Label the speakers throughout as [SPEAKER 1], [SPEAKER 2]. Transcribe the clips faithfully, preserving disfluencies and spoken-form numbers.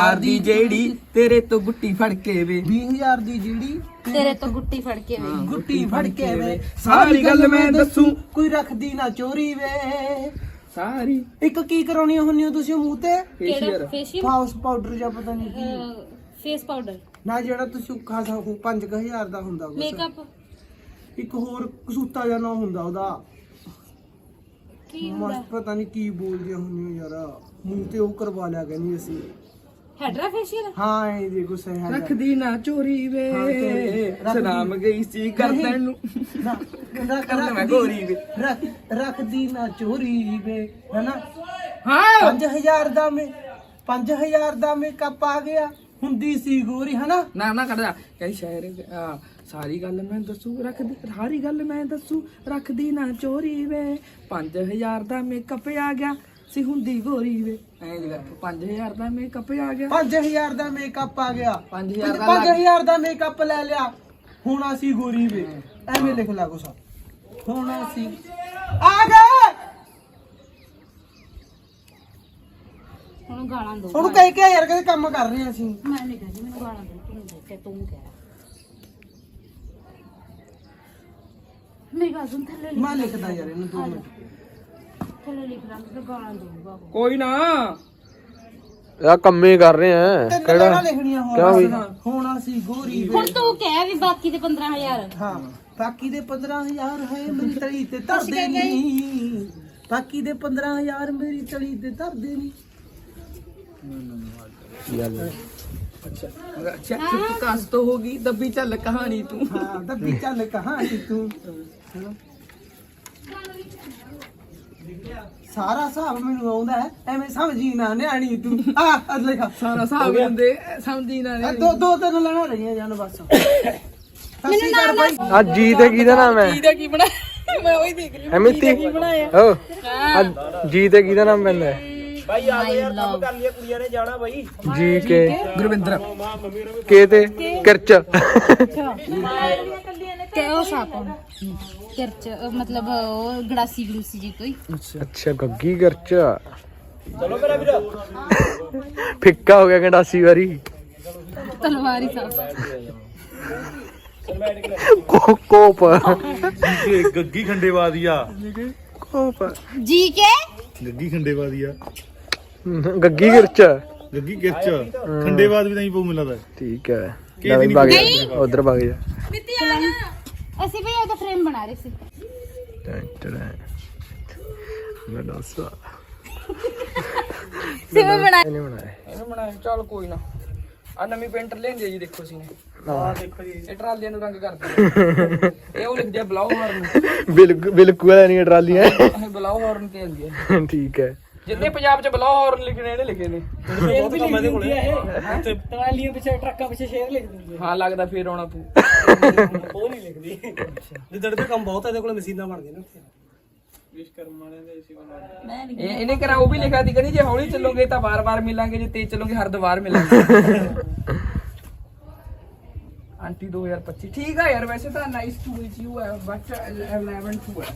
[SPEAKER 1] ਹਜ਼ਾਰ ਦੀ ਜਿਹੜੀ ਤੇਰੇ ਤੋਂ ਗੁੱਟੀ ਫੜ ਕੇ ਵੇ
[SPEAKER 2] ਵੀਹ ਹਜ਼ਾਰ ਦੀ ਜਿਹੜੀ
[SPEAKER 3] ਤੇਰੇ ਤੋਂ ਗੁੱਟੀ ਫੜ ਕੇ ਵੇ
[SPEAKER 2] ਗੁੱਟੀ ਫੜ ਕੇ ਵੇ
[SPEAKER 1] ਸਾਰੀ ਗੱਲ ਮੈਂ ਦੱਸੂ
[SPEAKER 2] ਕੋਈ ਰੱਖਦੀ ਨਾ ਚੋਰੀ ਵੇ
[SPEAKER 1] ਸਾਰੀ
[SPEAKER 2] ਇੱਕ ਕੀ ਕਰਾਉਣੀ ਹੁੰਨੀ ਹੋ ਤੁਸੀਂ ਮੂੰਹ ਤੇ
[SPEAKER 3] ਕਿਹੜਾ ਫੇਸ਼ੀਅਲ
[SPEAKER 2] ਫਾਉਸ ਪਾਊਡਰ ਜਾਂ ਪਤਾ ਨਹੀਂ ਕੀ
[SPEAKER 3] ਫੇਸ ਪਾਊਡਰ
[SPEAKER 2] ਨਾ ਜਿਹੜਾ ਤੁਸੀਂ ਖਾਸਾ ਪੰਜ ਹਜ਼ਾਰ ਦਾ ਹੁੰਦਾ ਕੁਛ।
[SPEAKER 3] ਮੇਕਅਪ
[SPEAKER 2] ਇੱਕ ਹੋਰ ਕਸੂਤਾ ਜਾਂ ਨਾ ਹੁੰਦਾ ਉਹਦਾ
[SPEAKER 3] ਕੀ ਹੁੰਦਾ
[SPEAKER 2] ਮਸਤ ਪਤਾ ਨਹੀਂ ਕੀ ਬੋਲਦੀਆਂ ਹੁੰਦੀਆਂ ਯਾਰ ਮੂੰਹ ਤੇ ਉਹ ਕਰਵਾ ਲਿਆ ਕਹਿੰਦੀ ਅਸੀਂ
[SPEAKER 3] ਹੈਡਰਾ ਫੇਸ਼ੀਅਲ
[SPEAKER 2] ਹਾਂ ਇਹ ਦੇਖੋ ਸਹੀ ਹੈ
[SPEAKER 1] ਰੱਖਦੀ ਨਾ ਚੋਰੀ ਵੇ
[SPEAKER 2] ਹਾਂ, ਚੋਰੀ। ਰੱਖਦੀ।
[SPEAKER 1] ਸਲਾਮ ਗਈ ਸੀ ਗਰਦਨ ਨੂੰ
[SPEAKER 2] ਨਾ ਰੱਖ
[SPEAKER 1] ਕਰ ਮੈਂ ਗੋਰੀ ਵੇ
[SPEAKER 2] ਰੱਖ ਰੱਖਦੀ ਨਾ ਚੋਰੀ ਵੇ ਹੈਨਾ
[SPEAKER 1] ਹਾਂ
[SPEAKER 2] ਪੰਜ ਹਜ਼ਾਰ ਦਾ ਮੇ ਪੰਜ ਹਜ਼ਾਰ ਦਾ ਮੇਕਅਪ ਆ ਗਿਆ ਹੁੰਦੀ ਸੀ ਗੋਰੀ ਹਨਾ
[SPEAKER 1] ਨਾ ਨਾ ਕੱਢਦਾ ਕਈ ਸ਼ਾਇਰ ਆ ਸਾਰੀ ਗੱਲ ਮੈਂ ਦੱਸੂ ਰੱਖਦੀ ਸਾਰੀ ਗੱਲ ਮੈਂ ਦੱਸੂ ਰੱਖਦੀ ਨਾ ਚੋਰੀ ਵੇ ਪੰਜ ਹਜ਼ਾਰ ਦਾ ਮੇਕਅਪ ਆ ਗਿਆ ਸੀ ਹੁੰਦੀ ਗੋਰੀ ਵੇ ਐਂ ਜਿਹੜਾ ਪੰਜ ਹਜ਼ਾਰ ਦਾ ਮੇਕਅਪ ਆ ਗਿਆ
[SPEAKER 2] ਪੰਜ ਹਜ਼ਾਰ ਦਾ ਮੇਕਅਪ ਆ ਗਿਆ
[SPEAKER 1] ਪੰਜ ਹਜ਼ਾਰ ਦਾ
[SPEAKER 2] ਪੰਜ ਹਜ਼ਾਰ ਦਾ ਮੇਕਅਪ ਲੈ ਲਿਆ ਹੁਣ ਅਸੀਂ ਗੋਰੀ ਵੇ ਐਵੇਂ ਲਿਖ ਲਾ ਕੁਛ ਹੁਣ ਅਸੀਂ ਆ ਗਏ
[SPEAKER 3] ਹੁਣ ਗਾਲਾਂ ਦੋ
[SPEAKER 2] ਉਹਨੂੰ ਕਹਿ ਕੇ ਯਾਰ ਕਹਿੰਦੇ ਕੰਮ ਕਰ ਰਹੇ ਅਸੀਂ
[SPEAKER 3] ਮੈਂ ਨਹੀਂ ਕਹਿੰਦੀ ਮੈਨੂੰ ਗਾਲਾਂ ਦੋ ਤੂੰ ਦੇ ਕੇ ਤੂੰ ਕਹਿ ਮੇਰੀ ਗੱਲ ਸੁਣ ਥੱਲੇ ਲਿਖ
[SPEAKER 2] ਮੈਂ ਲਿਖਦਾ ਯਾਰ ਇਹਨੂੰ ਦੋ ਮਿੰਟ
[SPEAKER 3] ਥੱਲੇ ਲਿਖ ਲਾਂ ਤੇ ਗਾਲਾਂ ਦਊਗਾ
[SPEAKER 1] ਕੋਈ ਨਾ
[SPEAKER 4] ਯਾ ਕੰਮੇ ਕਰ ਰਹੇ ਆ
[SPEAKER 2] ਤਿੰਨ
[SPEAKER 4] ਕਿਹੜਾ
[SPEAKER 2] ਲੈਣਾ ਲਿਖਣੀਆਂ
[SPEAKER 4] ਕਿਉਂ
[SPEAKER 2] ਹੁਣ
[SPEAKER 4] ਵੀ?
[SPEAKER 2] ਹੁਣ ਅਸੀਂ ਗੋਰੀ ਵੇ
[SPEAKER 3] ਹੁਣ ਤੂੰ ਕਹਿ ਵੀ ਬਾਕੀ ਦੇ ਪੰਦਰਾਂ ਹਜ਼ਾਰ
[SPEAKER 2] ਹਾਂ ਬਾਕੀ ਦੇ ਪੰਦਰਾਂ ਹਜ਼ਾਰ ਹੈ ਮੇਰੀ ਤਲੀ ਤੇ ਧਰਦੇ ਨਹੀਂ ਬਾਕੀ ਦੇ ਪੰਦਰਾਂ ਹਜ਼ਾਰ ਮੇਰੀ ਤਲੀ ਤੇ ਧਰਦੇ ਨਹੀਂ
[SPEAKER 1] ਅੱਛਾ ਅੱਛਾ ਚੁੱਪ ਕਾਸ ਤੋਂ ਹੋਗੀ ਦੱਬੀ ਚੱਲ ਕਹਾਣੀ ਤੂੰ
[SPEAKER 2] ਹਾਂ ਦੱਬੀ ਚੱਲ ਕਹਾਣੀ ਤੂੰ ਸਾਰਾ ਹਿਸਾਬ ਮੈਨੂੰ ਆਉਂਦਾ ਹੈ ਐਵੇਂ ਸਮਝੀ ਨਾ ਨਿਆਣੀ ਤੂੰ ਆ ਅਦ ਲਿਖਾ
[SPEAKER 1] ਸਾਰਾ ਹਿਸਾਬ ਹੁੰਦੇ ਸਮਝੀ ਨਾ
[SPEAKER 2] ਇਹ ਦੋ ਦੋ ਤਿੰਨ ਲੈਣਾ ਰਹੀਆਂ ਜਾਨ ਬਸ ਸੱਸੀ ਕਰ ਬਾਈ
[SPEAKER 4] ਆ ਜੀ ਤੇ ਕਿਹਦਾ ਨਾਮ ਹੈ
[SPEAKER 1] ਇਹਦਾ ਕੀ ਬਣਾ ਮੈਂ ਉਹੀ ਦੇਖ ਰਹੀ
[SPEAKER 4] ਐਮਿਤੀ ਓ ਆ ਜੀ ਤੇ ਕਿਹਦਾ ਨਾਮ ਪੈਂਦਾ ਹੈ
[SPEAKER 3] ਭਾਈ ਆ ਯਾਰ ਕੰਮ ਕਰ
[SPEAKER 2] ਲਿਆ ਕੁੜੀਆਂ ਨੇ ਜਾਣਾ ਬਾਈ
[SPEAKER 4] ਜੀ ਕੇ
[SPEAKER 1] ਗੁਰਵਿੰਦਰ
[SPEAKER 4] ਕੇ ਤੇ ਕਿਰਚ
[SPEAKER 3] ਕਿ ਉਹ ਸਾਪ ਕਿਰਚ ਮਤਲਬ ਉਹ ਗੜਾਸੀ ਗਲੂਸੀ ਜੀ ਕੋਈ
[SPEAKER 4] ਅੱਛਾ ਗੱਗੀ ਕਿਰਚ ਚਲੋ ਮੇਰਾ ਵੀਰ ਫਿੱਕਾ ਹੋ ਗਿਆ ਗੰਡਾਸੀ ਵਾਰੀ
[SPEAKER 3] ਤਲਵਾਰੀ ਸਾਪ
[SPEAKER 4] ਕੋ ਕੋਪ
[SPEAKER 5] ਗੱਗੀ ਖੰਡੇਵਾਦੀਆ
[SPEAKER 4] ਕੋਪ
[SPEAKER 3] ਜੀ ਕੇ
[SPEAKER 5] ਗੱਗੀ ਖੰਡੇਵਾਦੀਆ
[SPEAKER 4] ਗੱਗੀ ਕਿਰਚ
[SPEAKER 5] ਗੱਗੀ ਗਿਰਚ ਖੰਡੇਵਾਦ ਵੀ ਨਹੀਂ ਪਊ ਮਿਲਦਾ
[SPEAKER 4] ਠੀਕ ਹੈ ਉਧਰ ਭਗ ਜਾ
[SPEAKER 3] ਅਸੀਂ ਵੀ ਉਹਦਾ ਫਰੇਮ ਬਣਾ ਰਹੇ ਸੀ
[SPEAKER 4] ਮੈਂ ਦੱਸਾਂ
[SPEAKER 3] ਸਿਵੇਂ ਬਣਾ
[SPEAKER 4] ਨਹੀਂ ਬਣਾਇਆ
[SPEAKER 1] ਇਹਨੂੰ ਬਣਾਇਆ ਚੱਲ ਕੋਈ ਨਾ ਆ ਨਵੀਂ ਪੇਂਟਰ ਲੈਂਦੀ ਆ ਜੀ ਦੇਖੋ ਸੀ ਨੇ
[SPEAKER 4] ਹਾਂ
[SPEAKER 2] ਦੇਖੋ ਜੀ
[SPEAKER 1] ਇਹ ਟਰਾਲੀਆਂ ਨੂੰ ਰੰਗ ਕਰਦੇ ਇਹ ਉਹ ਲਿਖਦੇ ਆ ਬਲਾਓ ਹਾਰਨ
[SPEAKER 4] ਬਿਲਕੁਲ ਬਿਲਕੁਲ ਵਾਲਾ ਨਹੀਂ ਟਰਾਲੀਆਂ
[SPEAKER 1] ਇਹ ਬਲਾਓ ਹਾਰਨ ਤੇ ਆਉਂਦੀ ਹੈ
[SPEAKER 4] ਠੀਕ ਹੈ
[SPEAKER 1] ਜਿੱਦੇ ਪੰਜਾਬ ਚ ਬਲਾਓ ਹਾਰਨ ਲਿਖਣੇ ਇਹਨੇ ਲਿਖੇ ਨੇ
[SPEAKER 2] ਬਹੁਤ ਕੰਮ ਇਹਦੇ ਕੋਲੇ ਤੇ ਟਰਾਲੀਆਂ ਪਿੱਛੇ ਟਰੱਕਾਂ ਪਿੱਛੇ ਸ਼ੇਰ ਲਿਖ ਦਿੰਦੇ
[SPEAKER 1] ਹਾਂ ਲੱਗਦਾ ਫੇਰ ਆਉਣਾ ਤੂੰ
[SPEAKER 2] ਉਹ ਨਹੀਂ ਲਿਖਦੀ ਜਿੱਦੜ ਤੇ ਕੰਮ ਬਹੁਤ ਹੈ ਇਹਦੇ ਕੋਲੇ ਮਸ਼ੀਨਾਂ ਬਣਦੀਆਂ ਨੇ
[SPEAKER 1] ਇਹ ਇਹਨੇ ਕਰਾ ਉਹ ਵੀ ਲਿਖਿਆ ਸੀ ਕਹਿੰਦੀ ਜੇ ਹੌਲੀ ਚੱਲੋਗੇ ਤਾਂ ਵਾਰ-ਵਾਰ ਮਿਲਾਂਗੇ ਜੇ ਤੇਜ਼ ਚੱਲੋਗੇ ਹਰ ਦੁਆਰ ਮਿਲਾਂਗੇ ਆਂਟੀ ਦੋ ਹਜ਼ਾਰ ਪੱਚੀ ਠੀਕ ਆ ਯਾਰ ਵੈਸੇ ਤਾਂ ਨਾਈਸ ਟੂ ਮੀਟ ਯੂ ਹੈ ਬਟ ਇਲੈਵਨ ਟੂ ਹੈ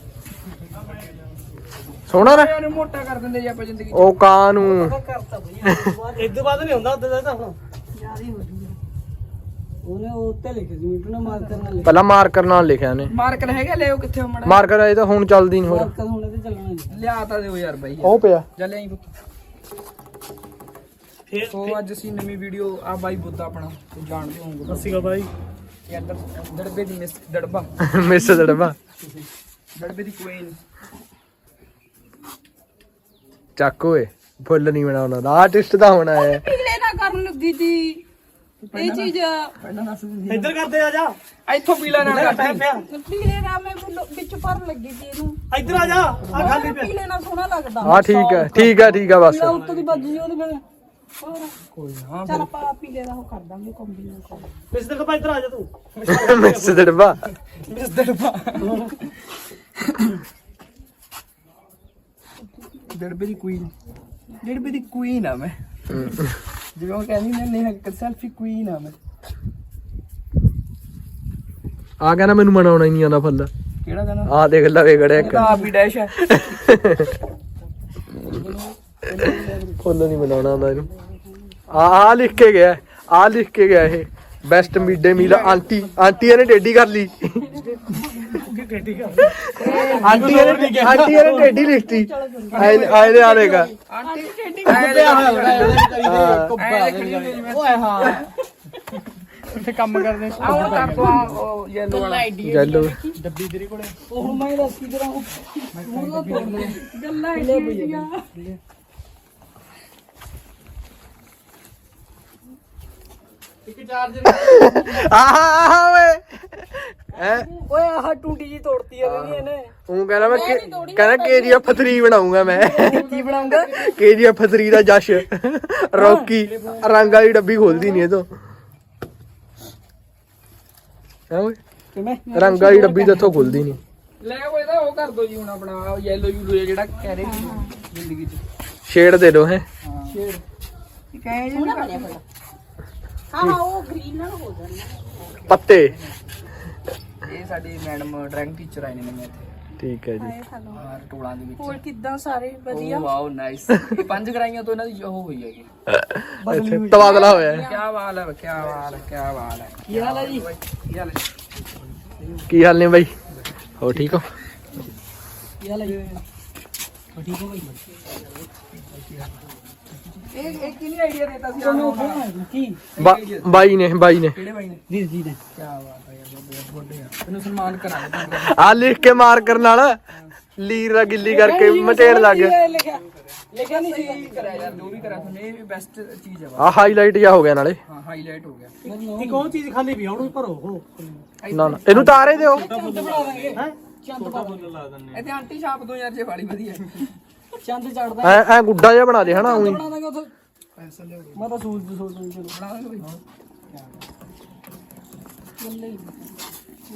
[SPEAKER 4] ਸੋਹਣਾ ਨਾ
[SPEAKER 1] ਯਾਰ ਮੋਟਾ ਕਰ ਦਿੰਦੇ ਜੇ ਆਪਾਂ ਜ਼ਿੰਦਗੀ
[SPEAKER 4] ਉਹ ਕਾਂ ਨੂੰ
[SPEAKER 2] ਕਰਤਾ ਬਈ ਇਦੋਂ ਬਾਅਦ ਨਹੀਂ ਹੁੰਦਾ ਉਦੋਂ ਦਾ ਤਾਂ ਹੁਣ ਯਾਦ ਹੀ ਹੋ ਜੂਗਾ ਉਹਨੇ ਉਹ ਉੱਤੇ ਲਿਖਿਆ ਸੀ ਮੀਟੂ ਨੇ ਮਾਰਕਰ ਨਾਲ
[SPEAKER 4] ਪਹਿਲਾਂ ਮਾਰਕਰ ਨਾਲ ਲਿਖਿਆ ਨੇ
[SPEAKER 1] ਮਾਰਕਰ ਹੈਗਾ ਲਿਓ ਕਿੱਥੇ ਮੜਾ
[SPEAKER 4] ਮਾਰਕਰ ਇਹ ਤਾਂ ਹੁਣ ਚੱਲਦੀ ਨਹੀਂ ਹੋਰ
[SPEAKER 2] ਮਾਰਕਰ ਹੁਣ ਇਹਦੇ ਚੱਲਣਾ ਨਹੀਂ
[SPEAKER 1] ਲਿਆ ਤਾਂ ਦਿਓ ਯਾਰ ਬਾਈ
[SPEAKER 4] ਉਹ ਪਿਆ
[SPEAKER 1] ਜਾ ਲਿਆਈ ਪੁੱਤ
[SPEAKER 2] ਫੇਰ
[SPEAKER 1] ਸੋ ਅੱਜ ਅਸੀਂ ਨਵੀਂ ਵੀਡੀਓ ਆ ਬਾਈ ਬੁੱਧਾ ਆਪਣਾ ਤੁਸੀਂ ਜਾਣਦੇ ਹੋਵੋਗੇ
[SPEAKER 2] ਅੱਸੀਗਾ ਬਾਈ
[SPEAKER 1] ਇਹ ਅੰਦਰ ਦੜਬੇ ਦੀ ਮਿਸ ਦੜਬਾ
[SPEAKER 4] ਮਿਸ ਦੜਵਾ
[SPEAKER 1] ਦੜਬੇ ਦੀ ਕੁਈਨ
[SPEAKER 4] ਚੱਕ ਓਏ ਫੁੱਲ ਨਹੀਂ ਬਣਾਉਣਾ ਦਾ ਆਰਟਿਸਟ ਦਾ ਹੋਣਾ ਹੈ
[SPEAKER 3] ਪੀਲੇ ਨਾ ਕਰਨ ਲੱਗੀ ਦੀ ਇਹ ਚੀਜ਼
[SPEAKER 1] ਪਹਿਲਾਂ ਦੱਸ ਦਿੰਦੀ
[SPEAKER 2] ਇੱਧਰ ਕਰਦੇ ਆ ਜਾ
[SPEAKER 1] ਇੱਥੋਂ ਪੀਲਾ ਨਾਲ
[SPEAKER 2] ਪਿਆ
[SPEAKER 1] ਕਰ
[SPEAKER 2] ਪਿਆ
[SPEAKER 3] ਪੀਲੇ ਨਾ ਮੈਂ ਵਿੱਚ ਭਰਨ ਲੱਗੀ ਸੀ ਇਹਨੂੰ
[SPEAKER 2] ਇੱਧਰ ਆ ਜਾ ਆ ਖਾਲੀ ਪਿਆ
[SPEAKER 3] ਪੀਲੇ ਨਾ ਸੋਹਣਾ ਲੱਗਦਾ
[SPEAKER 4] ਹਾਂ ਠੀਕ ਹੈ ਠੀਕ ਹੈ ਠੀਕ ਹੈ ਬਸ
[SPEAKER 3] ਉੱਤੋਂ ਦੀ ਵੱਜ ਜੀ ਉਹਦੇ ਫਿਰ ਹੋਰ
[SPEAKER 1] ਕੋਈ ਨਾ
[SPEAKER 3] ਚੱਲ ਆਪਾਂ ਪੀਲੇ ਦਾ ਉਹ ਕਰ ਦਾਂਗੇ ਕੰਬੀਨੇਸ਼ਨ
[SPEAKER 2] ਪਿਛਲੇ ਕਪਾ ਇੱਧਰ ਆ ਜਾ ਤੂੰ
[SPEAKER 4] ਮਿਸ ਦੜਵਾ
[SPEAKER 1] ਮਿਸ ਦੜਬਾ ਦੜਬੇ ਦੀ ਕੁਈਨ ਦੜਬੇ ਦੀ ਕੁਈਨ ਆ ਮੈਂ ਜਿਵੇਂ ਉਹ ਕਹਿੰਦੀ ਨੇ ਨੇਹਾ ਕਰ ਸੈਲਫੀ ਕੁਈਨ ਆ ਮੈਂ
[SPEAKER 4] ਆ ਕਹਿੰਦਾ ਮੈਨੂੰ ਮਨਾਉਣਾ ਹੀ ਨਹੀਂ ਆਉਂਦਾ ਫੁੱਲ
[SPEAKER 1] ਕਿਹੜਾ ਗਾਣਾ
[SPEAKER 4] ਆ ਦੇਖ ਲਵੇ ਗੜਿਆ
[SPEAKER 1] ਇਹ ਤਾਂ ਆਪ ਹੀ ਡੈਸ਼ ਹੈ
[SPEAKER 4] ਫੁੱਲ ਨਹੀਂ ਬਣਾਉਣਾ ਆਉਂਦਾ ਇਹਨੂੰ ਆ ਆ ਲਿਖ ਕੇ ਗਿਆ ਆ ਲਿਖ ਕੇ ਗਿਆ ਇਹ best mid day meal aunty aunty ਨੇ ਟੇਢੀ ਕਰ ਲਈ ਆਂਟੀ ਨੇ ਆਂਟੀ ਨੇ ਟੇਢੀ ਲਿਖਤੀ ਆਏ ਆਏ ਦੇ ਆਲੇਗਾ
[SPEAKER 1] ਆਂਟੀ ਟੇਡੀ
[SPEAKER 2] ਓਏ ਹਾਂ
[SPEAKER 1] ਉੱਥੇ ਕੰਮ ਕਰਦੇ ਆ ਉਹ ਕਰ ਦੋ ਉਹ ਯੈਲੋ ਵਾਲਾ
[SPEAKER 4] ਜੈਲੋ
[SPEAKER 2] ਉਹ ਹੁਣ ਮੈਂ ਦੱਸ ਕੀ ਕਰਾਂ ਮੂੰਹ ਦਾ
[SPEAKER 1] ਗੱਲਾਂ ਆਈਡੀਆਂ
[SPEAKER 4] ਆਹ ਓਏ ਐ
[SPEAKER 2] ਓਏ ਆਹ ਟੂਟੀ ਜੀ ਤੋੜਤੀ ਆ ਵੀ ਇਹਨੇ
[SPEAKER 4] ਉਹ ਕਹਿੰਦਾ ਮੈਂ ਕੇ- ਕਹਿੰਦਾ ਕੇਜੀਐਫ ਥ੍ਰੀ ਬਣਾਉਂਗਾ ਮੈਂ
[SPEAKER 2] ਕੀ ਬਣਾਉਂਗਾ
[SPEAKER 4] ਕੇਜੀਐਫ ਥ੍ਰੀ ਦਾ ਜਸ਼ ਰੌਕੀ ਰੰਗ ਵਾਲੀ ਡੱਬੀ ਖੋਲਦੀ ਨਹੀਂ ਇਹ ਤੋਂ ਹੈ ਓਏ
[SPEAKER 2] ਕਿਵੇਂ
[SPEAKER 4] ਰੰਗ ਵਾਲੀ ਡੱਬੀ ਤਾਂ ਇੱਥੋਂ ਖੁੱਲਦੀ ਨਹੀਂ
[SPEAKER 1] ਲੈ ਉਹ ਇਹਦਾ ਉਹ ਕਰ ਦੋ ਜੀ ਹੁਣ ਆਪਣਾ ਯੈਲੋ ਯੂਲੋ ਜਿਹੜਾ ਕਹਿ ਰਹੇ ਸੀ ਜ਼ਿੰਦਗੀ ਚ
[SPEAKER 4] ਸ਼ੇਡ ਦੇ ਦੋ ਹੈ
[SPEAKER 1] ਸ਼ੇਡ ਕਹੇ ਜੀ
[SPEAKER 3] ਹਾਂ ਹਾਂ ਉਹ ਗ੍ਰੀਨ ਨਾਲ ਹੋ ਜਾਣਾ
[SPEAKER 4] ਪੱਤੇ
[SPEAKER 1] ਇਹ ਸਾਡੇ ਮੈਡਮ ਡਰਾਇੰਗ ਟੀਚਰ ਆਏ ਨੇ ਨਵੇਂ ਇੱਥੇ
[SPEAKER 4] ਠੀਕ ਹੈ ਜੀ
[SPEAKER 1] ਹਾਂ ਟੋਲਾਂ ਦੇ ਵਿੱਚ
[SPEAKER 3] ਹੋਰ ਕਿੱਦਾਂ ਸਾਰੇ
[SPEAKER 1] ਵਧੀਆ ਵਾਓ ਨਾਈਸ ਇਹ ਪੰਜ ਕਰਾਈਆਂ ਤੋਂ ਇਹਨਾਂ ਦੀ ਉਹ ਹੋਈ ਹੈਗੀ
[SPEAKER 4] ਇੱਥੇ ਤਬਾਦਲਾ ਹੋਇਆ ਹੈ।
[SPEAKER 1] ਕੀ ਬਾਤ ਹੈ ਕੀ ਬਾਤ ਹੈ ਕੀ ਬਾਤ ਹੈ
[SPEAKER 2] ਕੀ ਹਾਲ ਹੈ ਜੀ
[SPEAKER 1] ਕੀ ਹਾਲ ਹੈ
[SPEAKER 4] ਕੀ ਹਾਲ ਨੇ ਬਾਈ ਹੋ ਠੀਕ ਹੋ
[SPEAKER 2] ਕੀ ਹਾਲ ਹੈ ਜੀ ਠੀਕ ਹੋ ਗਈ
[SPEAKER 1] ਇਹ ਇਹ ਕਿਹਨੇ ਆਈਡੀਆ ਦਿੱਤਾ ਸੀ ਆਹ
[SPEAKER 2] ਕੀ
[SPEAKER 4] ਬਾ- ਬਾਈ ਨੇ ਬਾਈ ਨੇ
[SPEAKER 1] ਕਿਹੜੇ ਬਾਈ ਨੇ
[SPEAKER 2] ਵੀਰ ਜੀ ਨੇ
[SPEAKER 1] ਕੀ ਬਾਤ ਹੈ ਯਾਰ ਬਹੁਤ ਵੱਡੇ ਆ ਤੈਨੂੰ ਸਨਮਾਨ ਕਰਾਂਗੇ
[SPEAKER 4] ਆ ਲਿਖ ਕੇ ਮਾਰ ਕਰਨ ਨਾਲ ਲੀਰ ਦਾ ਗਿੱਲੀ ਕਰਕੇ ਮਟੇੜ ਲੱਗ ਗਿਆ
[SPEAKER 2] ਲਿਖਿਆ ਲਿਖਿਆ ਨਹੀਂ
[SPEAKER 1] ਸਹੀ ਕਰਿਆ ਯਾਰ ਜੋ ਵੀ ਕਰਿਆ ਤੁਹਾਨੂੰ ਇਹ ਬੈਸਟ ਚੀਜ਼ ਹੈ
[SPEAKER 4] ਆ ਹਾਈਲਾਈਟ ਜਾ ਹੋ ਗਿਆ ਨਾਲੇ
[SPEAKER 1] ਹਾਂ ਹਾਈਲਾਈਟ ਹੋ ਗਿਆ
[SPEAKER 2] ਇੱਕ ਉਹ ਚੀਜ਼ ਖਾਲੀ ਵੀ ਹੁਣ ਭਰੋ ਹੋ
[SPEAKER 4] ਨਾ ਨਾ ਇਹਨੂੰ ਤਾਰੇ ਦਿਓ
[SPEAKER 2] ਚੰਦ ਬਣਾ ਦਾਂਗੇ ਹੈ ਚੰਦ ਪਾ ਦਾਂਗੇ
[SPEAKER 1] ਇੱਥੇ ਆਂਟੀ ਛਾਪ ਦੋ ਯਾਰ ਜੇ ਵਾਲੀ ਵਧੀਆ
[SPEAKER 2] ਚੰਦ ਚੜਦਾ
[SPEAKER 4] ਐ ਐ ਗੁੱਡਾ ਜਿਹਾ ਬਣਾ ਦੇ ਹਨਾ ਉਹੀ
[SPEAKER 2] ਬਣਾ ਦਾਂਗੇ ਉਥੇ ਮੈਂ ਤਾਂ ਸੂਝ ਸੂਝ ਸੂਝ
[SPEAKER 1] ਬਣਾ ਦਾਂਗੇ ਬਈ